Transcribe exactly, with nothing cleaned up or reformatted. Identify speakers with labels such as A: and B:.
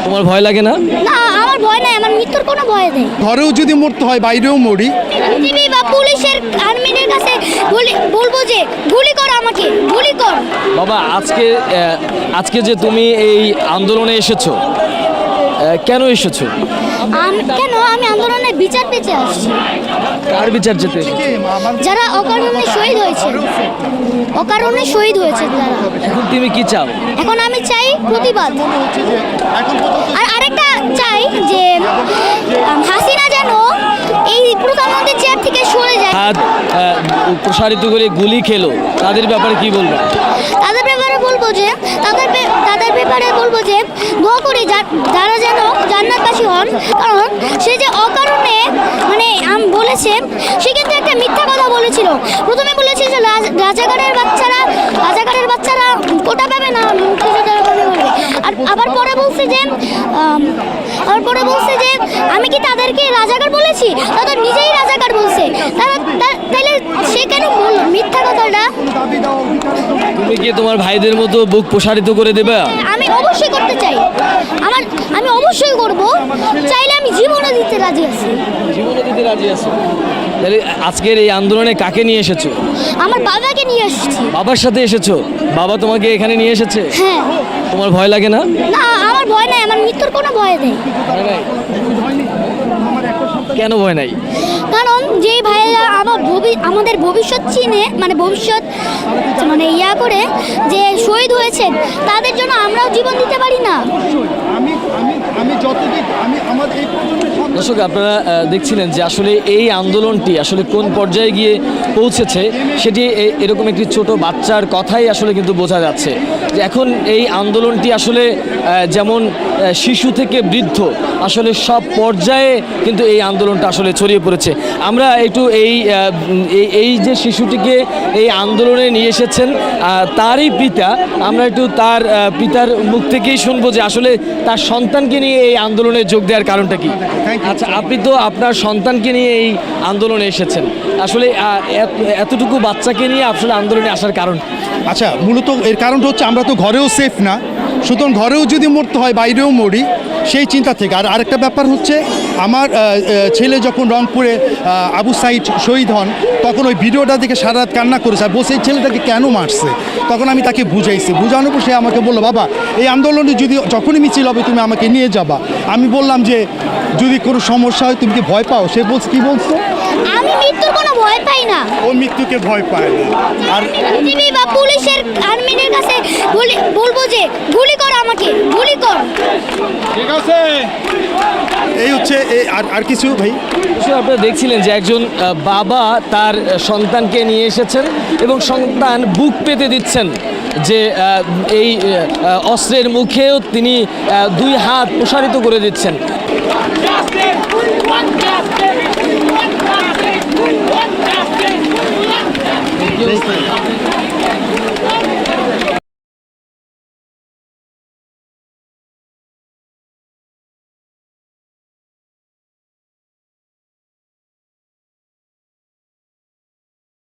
A: তোমার ভয় লাগে না?
B: না, আমার ভয় নাই, আমার মৃত্যুর কোনো ভয় নেই।
C: ঘরেও যদি মরতে হয় বাইরেও মরি।
B: টিভি বা পুলিশের আর্মিদের কাছে বলি- বলবো যে গুলি কর, আমাকে গুলি কর।
A: বাবা, আজকে আহ, আজকে যে তুমি এই আন্দোলনে এসেছো, আহ, কেন এসেছো?
B: আম- কেন আমি আন্দোলনের বিচার পেতে আসছি।
A: কার বিচার যেতে?
B: যারা অকারণে শহীদ হয়েছে, অকারণে শহীদ হয়েছে যারা।
A: এখন তুমি কি চাও?
B: এখন আমি চাই প্রতিবাদ। আর আরেকটা চাই যে আম, হাসিনা যেন এই প্রধানমন্ত্রীর চেয়ার থেকে সরে যায়।
A: হাত আহ, প্রসারিত করে গুলি খেলো, তাদের ব্যাপারে কি বলবো?
B: তাদের ব্যাপারে বলবো যে তাদের বে- তাদের ব্যাপারে বলবো যে দোয়া করি যা- যারা যেন জান্নাতবাসী হন, কারণ সে যে অকারণে মানে আম বলেছে, সে কিন্তু একটা মিথ্যা কথা বলেছিল। প্রথমে বলেছিল যে রাজ- রাজাকারের বাচ্চারা রাজাকারের বাচ্চারা কোটা পাবে না, মুক্তিযোদ্ধারা পাবে বলবে। আর আবার পরে বলছে যে আম, আবার পরে বলছে যে আমি কি তাদেরকে রাজাকার বলেছি? তারা নিজেই রাজাকার বলছে। তারা তা- তাইলে সে কেন বলল মিথ্যা কথাটা?
A: তুমি কি তোমার ভাইদের মতো বুক প্রসারিত করে দেবে?
B: আমি অবশ্যই করতে চাই, আমার আমি অবশ্যই করব, চাইলে আমি জীবনও দিতে রাজি আছি।
A: জীবনে দিতে রাজি আছো? তাহলে আজকের এই আন্দোলনে কাকে নিয়ে এসেছো?
B: আমার বাবাকে নিয়ে এসেছি।
A: বাবার সাথে এসেছো? বাবা তোমাকে এখানে নিয়ে এসেছে?
B: হ্যাঁ।
A: তোমার ভয় লাগে না?
B: না, আমার ভয় নাই, আমার মৃত্যুর কোনো ভয় নেই।
A: কেন ভয় নাই?
B: কারণ যেই ভাইয়েরা আমার ভবি- আমাদের ভবিষ্যৎ চিনে, মানে ভবিষ্যৎ মানে ইয়া করে যে শহীদ হয়েছেন, তাদের জন্য আমরাও জীবন দিতে পারি না।
C: আমি আমি আমি যতদিন আমি আমার এই প্রজন্মের সন্তান-
A: দর্শক, আপনারা আহ, দেখছিলেন যে আসলে এই আন্দোলনটি আসলে কোন পর্যায়ে গিয়ে পৌঁছেছে, সেটি এ- এরকম একটি ছোট বাচ্চার কথাই আসলে কিন্তু বোঝা যাচ্ছে যে এখন এই আন্দোলনটি আসলে আহ, যেমন আহ, শিশু থেকে বৃদ্ধ আসলে সব পর্যায়ে কিন্তু এই আন্দোলনটা আসলে ছড়িয়ে পড়েছে। আমরা একটু এই আহ, উম, এই- এই যে শিশুটিকে এই আন্দোলনে নিয়ে এসেছেন আহ, তারই পিতা, আমরা একটু তার আহ, পিতার মুখ থেকেই শুনবো যে আসলে তার সন্তানকে নিয়ে এই আন্দোলনে যোগ দেওয়ার কারণটা কি। আচ্ছা, আপনি তো আপনার সন্তানকে নিয়ে এই আন্দোলনে এসেছেন, আসলে আহ, এত- এতটুকু বাচ্চাকে নিয়ে আসলে আন্দোলনে আসার কারণ?
C: আচ্ছা, মূলত এর কারণটা হচ্ছে আমরা তো ঘরেও সেফ না, সুতরাং ঘরেও যদি মরতে হয় বাইরেও মরি, সেই চিন্তা থেকে। আর আরেকটা ব্যাপার হচ্ছে আমার আহ, আহ, ছেলে যখন রংপুরে আহ, আবু সাইদ শহীদ হন, তখন ওই ভিডিওটা দেখে সারা রাত কান্না করেছে আর বসে এই ছেলেটাকে কেন মারছে। তখন আমি তাকে বুঝাইছি, বুঝানোর পর সে আমাকে বললো, বাবা এই আন্দোলনে যদি যখনই মিছিল হবে তুমি আমাকে নিয়ে যাবা। আমি বললাম যে যদি কোনো সমস্যা হয় তুমি কি ভয় পাও? সে বলছে, কি বলছো?
B: আমি মৃত্যুর কোনো ভয় পাই না।
C: ও মৃত্যুকে ভয় পায় না। আর
B: টিভি বা পুলিশের আর্মিদের কাছে বলি- বলবো যে গুলি কর, আমাকে গুলি কর।
C: ঠিক আছে, এই হচ্ছে এই- আর আর কিছু ভাই।
A: অবশ্যই আপনারা দেখছিলেন যে একজন আহ, বাবা তার আহ, সন্তানকে নিয়ে এসেছেন এবং সন্তান বুক পেতে দিচ্ছেন যে আহ, এই আহ, অস্ত্রের মুখেও তিনি আহ, দুই হাত প্রসারিত করে দিচ্ছেন।